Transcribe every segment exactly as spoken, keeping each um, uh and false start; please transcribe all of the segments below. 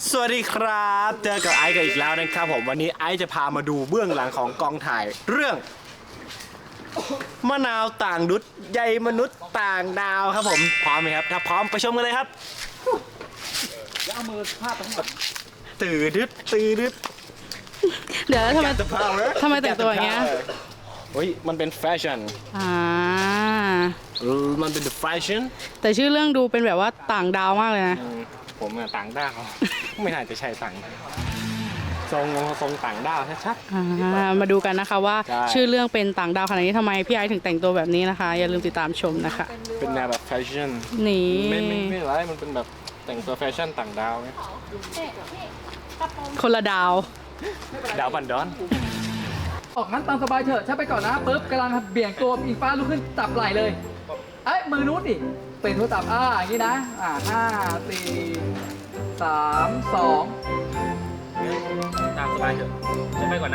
สวัสดีครับเจอกับไอซ์กันอีกแล้วนะครับผมวันนี้ไอซ์จะพามาดูเบื้องหลังของกองถ่ายเรื่องมะนาวต่างดุษใยมนุษย์ต่างดาวครับผมพร้อมไหมครับถ้าพร้อมไปชมกันเลยครับอย่าเอามือพาดทั้งหมดตื่นดึดตื่นดึดเดี๋ยวทำไมทำไมแต่งตัวอย่างเงี้ยเฮ้ยมันเป็นแฟชั่นอ่ามันเป็นแฟชั่นแต่ชื่อเรื่องดูเป็นแบบว่าต่างดาวมากเลยนะผมอะต่างดาวไม่น่าจะใช่ต่างทรงทรงต่างดาวชัดๆมาดูกันนะคะว่าชื่อเรื่องเป็นต่างดาวขนาดนี้ทำไมพี่ไอซ์ถึงแต่งตัวแบบนี้นะคะอย่าลืมติดตามชมนะคะเป็นแนวแบบแฟชั่นนี่ไม่ไม่ไม่ไรมันเป็นแบบแต่งตัวแฟชั่นต่างดาวไงคนละดาวดาวบันดอนออกงั้นตามสบายเถอะฉันไปก่อนนะปุ๊บกำลังเบี่ยงตัวอิงฟ้าลุกขึ้นจับไหล่เลยเอ้ยมือนู้นดิเป็นโทรศัพท์อ่าอย่างนี้นะอ่าห้าสี่สามสองตามสบายเถอะฉันไปก่อน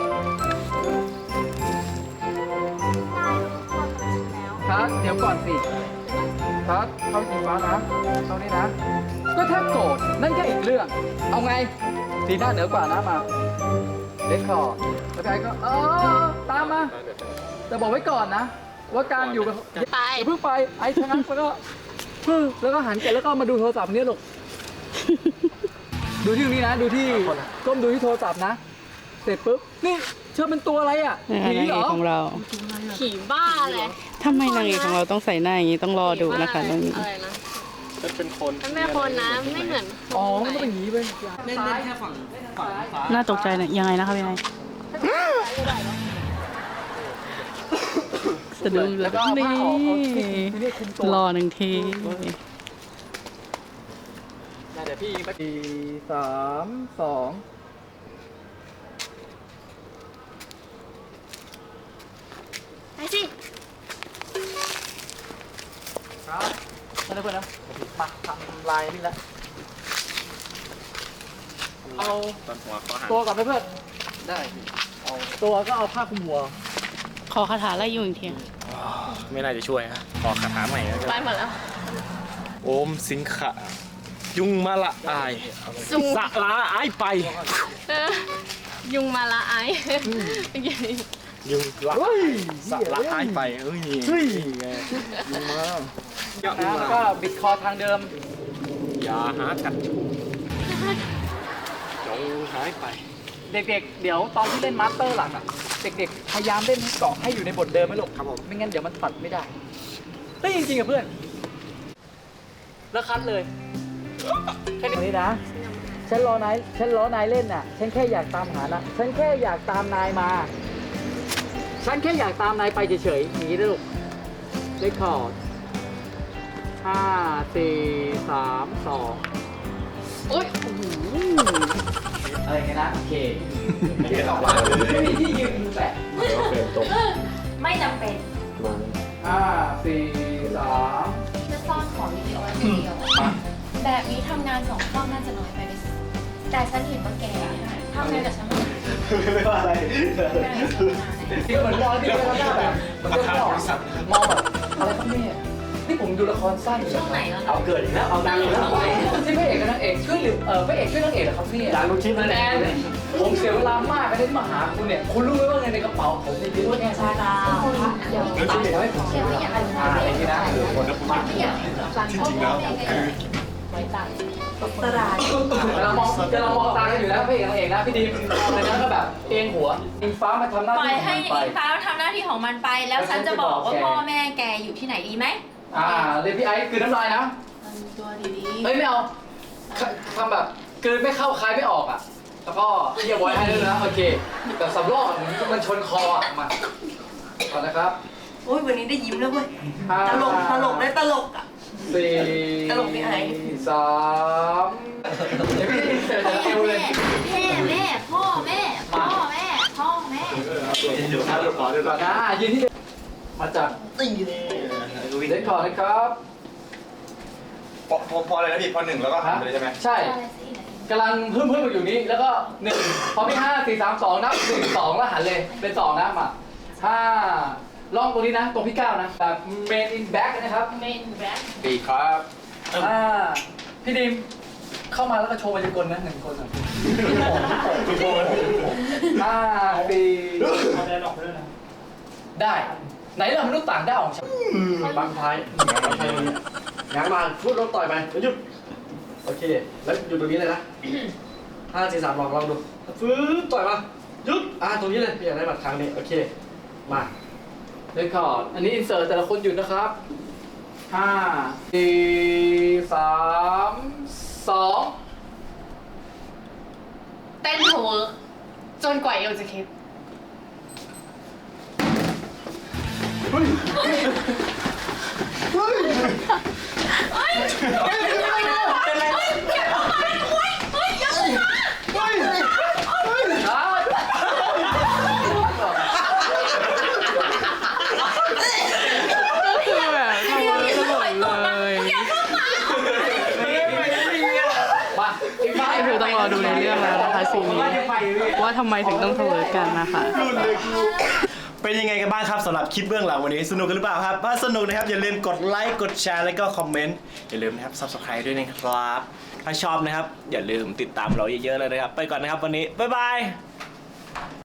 นะครับเดี๋ยวก่อนสิครับเข้าอิงฟ้านะเข้านี่นะก็ถ้าโกรธนั่นแค่อีกเรื่องเอาไงสีหน้าเหนือกว่านะมาเล็กคอร์ดแล้วไอ้ก็เออตามมาแต่บอกไว้ก่อนนะว่าการอยู่กับไปเพิ่งไปไอ้ชะงักแล้วก็แล้วก็หันไปแล้วก็มาดูโทรศัพท์นี่ลูกดูที่ตรงนี้นะดูที่ก้มดูที่โทรศัพท์นะเสร็จปุ๊บนี่เชื่อเป็นตัวอะไรอ่ะผีเหรอของเราผีบ้าเลยทำไมนางเอกของเราต้องใส่หน้าอย่างนี้ต้องรอดูนะคะตรงนี้อะไรนะมันเป็นคนมันไม่คนนะไม่เหมือนอ๋อมันก็เป็นอย่างนี้ไปเล่นแค่ฝั่งฝั่งฟ้าน่าตกใจนะยังไงนะครับยังไงสะดุ้งแล้วนี่รอหนึ่งทีเดี๋ยวพี่ไปสี่สามสองไปสิครับมาเลยเพื่อนนะมาทำลายนี่แล้วเอาตัวกับเพื่อนได้เอาตัวก็เอาผ้าคลุมหัวขอคาถาไล่ยุงอีกทีไม่น่าจะช่วยฮะขอคาถาใหม่แล้วไปหมดแล้วโอมสิงขะยุงมาละอายสะละอายไปยุงมาละอายยุงละสะละอายไปเอ้ยไงยุงมาแล้วก็บิดคอทางเดิมอย่าหากัดชูจงหายไปเด็กๆเดี๋ยวตอนที่เล่นมาสเตอร์หลังอ่ะเด็กๆพยายามเล่นเกาะให้อยู่ในบทเดิมไหมลูกครับผมไม่งั้นเดี๋ยวมันตัดไม่ได้ได้จริงๆกับเพื่อนแล้วคัดเลยแค่นี้นะฉันรอนายฉันรอนายเล่นน่ะฉันแค่อยากตามหานะฉันแค่อยากตามนายมาฉันแค่อยากตามนายไปเฉยๆอย่างนี้นะลูกเลคคอร์ดห้าสี่สามสองโอ๊ยโอ้โหอะไรกันนะโอเคไม่ได้ออกมาเลยไม่มีที่ยืนแปะไม่จำเป็นห้าสี่สามจะซ่อนของวิดีโอไว้คนเดียวแบบนี้ทำงานสองกล้องน่าจะน้อยไปไหมแต่ฉันเห็นว่าแกทำงานกับฉันไม่ว่าอะไรที่เหมือนมองที่เป็นหน้าแบบมันก็มองมองแบบอะไรครับเนี่ยนี่ผมดูละครสั้นช่วงไหนแล้วเอาเกิดอีกแล้วเอาดังอีกแล้วที่พระเอกกับนางเอกช่วยหรือเออพระเอกช่วยนางเอกเหรอครับพี่ดังลูกชิ้นแน่ผมเสียเวลามากไปที่มาหาคุณเนี่ยคุณรู้ไหมว่าเงินในกระเป๋าผมเนี่ยเยอะแค่ไหนเดี๋ยวตัดให้ผมเดี๋ยวอย่างไรนะอะไรนี่นะคนละคนจริงๆแล้วคือไว้ตัดตลาดเรามองจะเรามองตากันอยู่แล้วพระเอกนางเอกนะพี่ดีมในนั้นก็แบบเองหัวอิงฟ้ามาทำหน้าที่ปล่อยให้อิงฟ้าทำหน้าที่ของมันไปแล้วฉันจะบอกว่าพ่อแม่แกอยู่ที่ไหนดีไหมอ่าเรียนพี่ไอ้คือน้ำลายนะตัวดีๆเฮ้ยไม่เอาทำแบบคือไม่เข้าคายไม่ออกอ่ะแล้วก็เยียบไว้ให้ด้วยนะโอเคแต่สำรอกมันชนคออ่ะมาก่อนนะครับโอ้ยวันนี้ได้ยิ้มแล้วเว้ยตลกตลกได้ตลกอ่ะสี่ตลกพี่ไอ้สามเดี๋ยวพี่เสร็จแล้วเอวเลยแม่แม่พ่อแม่พ่อแม่พ่อแม่เดี๋ยวนะเดี๋ยวขอเดี๋ยวก่อนนะยืนที่มาจากตีนี่เด็กก่อนนะครับพอพออะไรนะพี่พอหนึ่งแล้วก็ทำเลยใช่ไหมใช่กำลังเพิ่มเพิ่มอยู่นี้แล้วก็หนึ่งพอพี่ห้าสี่สามสองนับหนึ่งสองแล้วหันเลยเป็นสองนะมาห้าล่องตรงนี้นะตรงพี่เก้านะแบบ main in back นะครับ main back ปีครับอ่าพี่ดิมเข้าเข้ามาแล้วก็โชว์มายากลนะหนึ่งคนอ่ะห้าสี่ได้ไหนล่ะมนุษย์ต่างดาวของฉันบางท้ายบางท้ายมันง้างมาพูดลงต่อยไปแล้วหยุดโอเคแล้วหยุดตรงนี้เลยนะห้าสี่สามลองลองดูฟื้นต่อยมาหยุดอ่าตรงนี้เลยพี่อยากได้บัตรครั้งนี้โอเคมาเล่นคอร์ดอันนี้อินเสิร์ตแต่ละคนหยุดนะครับห้าสี่สามสองเต้นเถอะเวิร์กจนกว่าเอวจะคิดคือแบบทำอะไรกันหมดเลยมาอีกฝ่ายก็คือต้องรอดูในเรื่องแล้วนะคะซีนนี้ว่าทำไมถึงต้องทะเลาะกันนะคะเป็นยังไงกันบ้างครับสำหรับคลิปเบื้องหลังวันนี้สนุกกันหรือเปล่าครับถ้าสนุกนะครับอย่าลืมกดไลค์กดแชร์แล้วก็คอมเมนต์อย่าลืมนะครับ ซับสไครบ์ ด้วยนะครับ ถ้าชอบนะครับอย่าลืมติดตามเราเยอะๆเลยนะครับไปก่อนนะครับวันนี้บ๊ายบาย